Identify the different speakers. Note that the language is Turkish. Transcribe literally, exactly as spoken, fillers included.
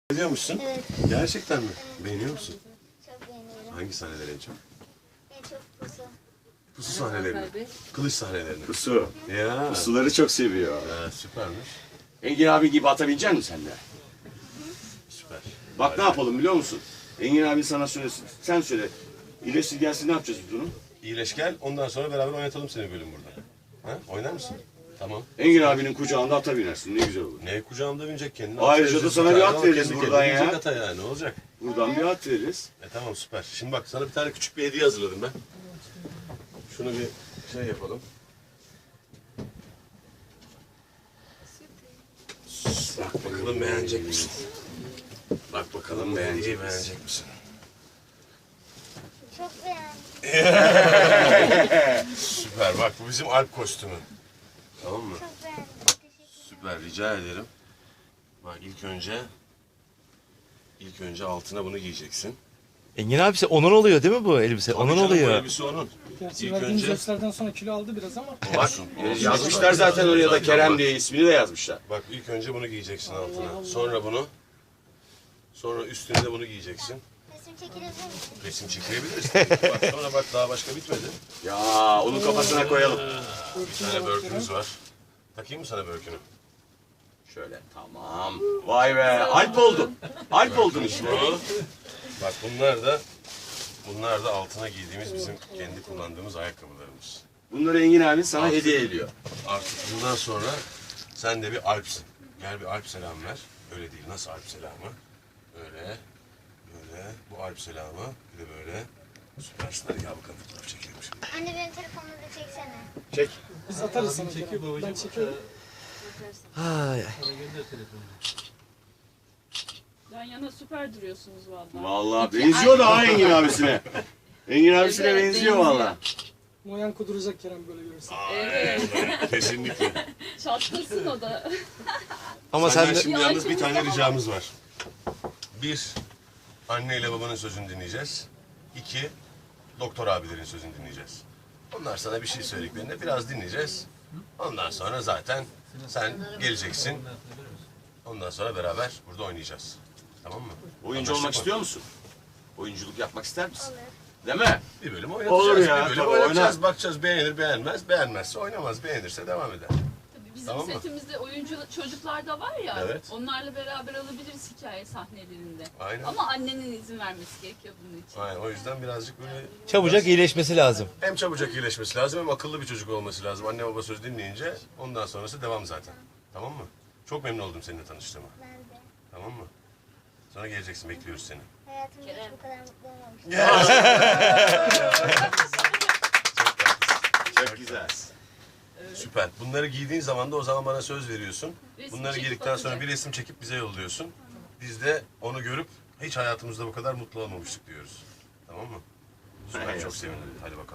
Speaker 1: Beğeniyor musun?
Speaker 2: Evet.
Speaker 1: Gerçekten mi? Beğeniyor musun?
Speaker 2: Çok beğeniyorum.
Speaker 1: Hangi sahneleri en çok?
Speaker 2: En çok pusu.
Speaker 1: Pusu sahnelerini. Kılıç sahnelerini.
Speaker 3: Pusu.
Speaker 1: Ya.
Speaker 3: Pusuları çok seviyor.
Speaker 1: Ha, süpermiş.
Speaker 3: Engin abi gibi atabilecek misin sen de?
Speaker 1: Süper.
Speaker 3: Bak ne yapalım biliyor musun? Engin abi sana söylesin. Sen söyle. İyileştir gelsin ne yapacağız biz bunu?
Speaker 1: İyileş gel. Ondan sonra beraber oynatalım seni bölüm burada. Ha? Oynar mısın? Tamam.
Speaker 3: Engin abinin kucağında ata binersin. Ne güzel olur.
Speaker 1: Ne kucağımda binecek kendini.
Speaker 3: Ayrıca da sana bir at veririz
Speaker 1: Kendi
Speaker 3: buradan
Speaker 1: kendine
Speaker 3: ya.
Speaker 1: binecek ata ya. Ne olacak?
Speaker 3: Buradan bir at veririz.
Speaker 1: E tamam süper. Şimdi bak sana bir tane küçük bir hediye hazırladım ben. Şunu bir şey yapalım. Bak bakalım beğenecek misin? Bak bakalım beğenecek, beğenecek misin?
Speaker 2: Çok beğendim.
Speaker 1: Süper. Bak bu bizim Alp kostümü. Tamam mı?
Speaker 2: Çok beğendim. Teşekkür ederim.
Speaker 1: Süper. Rica ederim. Bak ilk önce ilk önce altına bunu giyeceksin.
Speaker 4: Engin abisi onun oluyor değil mi bu elbise?
Speaker 1: Tabii
Speaker 4: onun
Speaker 1: canım, Bu
Speaker 4: oluyor.
Speaker 1: elbise onun.
Speaker 5: Gerçi
Speaker 1: İlk
Speaker 5: verdiğimiz
Speaker 1: önce
Speaker 5: derslerden sonra kilo aldı biraz ama.
Speaker 1: olsun. olsun.
Speaker 3: Yazmışlar zaten oraya da Kerem diye ismini de yazmışlar.
Speaker 1: Bak ilk önce bunu giyeceksin altına. Sonra bunu. Sonra üstüne de bunu giyeceksin.
Speaker 2: Resim çekilebilir misin?
Speaker 1: Resim çekilebiliriz. Bak sonra bak daha başka bitmedi.
Speaker 3: Ya onun kafasına koyalım.
Speaker 1: Bir tane börkümüz var. Takayım mı sana börkünü?
Speaker 3: Şöyle tamam. Vay be Alp oldun. Alp oldun işte.
Speaker 1: Bu. Bak bunlar da bunlar da altına giydiğimiz bizim kendi kullandığımız ayakkabılarımız.
Speaker 3: Bunları Engin abi sana hediye ediyor.
Speaker 1: Artık bundan sonra sen de bir Alp'sin. Gel bir Alp selam ver. Öyle değil. Nasıl Alp selamı? Böyle. Böyle. Bu Alp selamı. Bir de böyle. Süpersin. Hadi gel bakalım fotoğraf çekelim şimdi.
Speaker 2: Anne benim telefonumu da çeksene.
Speaker 3: Çek.
Speaker 5: Biz atarız sana. Çekiyor ben çekiyorum.
Speaker 4: Ay, ay.
Speaker 6: Yan yana süper duruyorsunuz vallahi.
Speaker 3: Vallahi
Speaker 6: İki
Speaker 3: benziyor da
Speaker 6: ayrı-
Speaker 3: ha Engin abisine. Engin abisine
Speaker 6: Evet,
Speaker 3: benziyor
Speaker 6: benziyor.
Speaker 3: valla.
Speaker 5: Moyan kuduracak Kerem böyle görürse.
Speaker 6: Evet.
Speaker 1: Kesinlikle.
Speaker 6: Çatlasın o da.
Speaker 4: Ama
Speaker 1: Senden
Speaker 4: sen de
Speaker 1: şimdi
Speaker 6: Bir
Speaker 1: yalnız bir
Speaker 6: Alp'imiz
Speaker 1: tane
Speaker 6: daha
Speaker 1: ricamız var. Bir, anneyle babanın sözünü dinleyeceğiz. İki, doktor abilerin sözünü dinleyeceğiz. Onlar sana bir şey söylediklerinde biraz dinleyeceğiz. Ondan sonra zaten sen geleceksin. Ondan sonra beraber burada oynayacağız. Tamam mı?
Speaker 3: Oyuncu
Speaker 1: Anlaştık
Speaker 3: olmak
Speaker 1: mı?
Speaker 3: istiyor musun? Oyunculuk yapmak ister misin?
Speaker 2: Olur.
Speaker 3: Değil mi?
Speaker 1: Bir bölüm oynatacağız.
Speaker 3: Olur ya,
Speaker 1: bir bölüm
Speaker 3: tabii,
Speaker 1: oynatacağız.
Speaker 3: oynar.
Speaker 1: Bakacağız beğenir beğenmez. Beğenmezse oynamaz. Beğenirse devam eder.
Speaker 6: Tabii bizim
Speaker 1: Tamam mı?
Speaker 6: setimizde oyuncu çocuklar da var ya.
Speaker 1: Evet.
Speaker 6: Onlarla beraber alabiliriz hikaye sahnelerinde.
Speaker 1: Aynen.
Speaker 6: Ama annenin izin vermesi gerekiyor bunun için.
Speaker 1: Aynen, o yüzden birazcık böyle...
Speaker 4: çabucak iyileşmesi lazım.
Speaker 1: Hem çabucak iyileşmesi lazım hem akıllı bir çocuk olması lazım. Anne baba söz dinleyince ondan sonrası devam zaten. Tamam mı? Çok memnun oldum seninle tanıştığıma.
Speaker 2: Ben de.
Speaker 1: Tamam mı? Sonra geleceksin, bekliyoruz seni.
Speaker 2: Hayatımda hiç bu kadar mutlu olmamıştım.
Speaker 3: Çok güzel.
Speaker 1: Süper. Bunları giydiğin zaman da o zaman bana söz veriyorsun.
Speaker 6: Resim
Speaker 1: Bunları
Speaker 6: çekip
Speaker 1: giydikten sonra
Speaker 6: atacak.
Speaker 1: bir resim çekip bize yolluyorsun. Biz de onu görüp hiç hayatımızda bu kadar mutlu olmamıştık diyoruz. Tamam mı? Süper, çok sevindim. Hadi bakalım.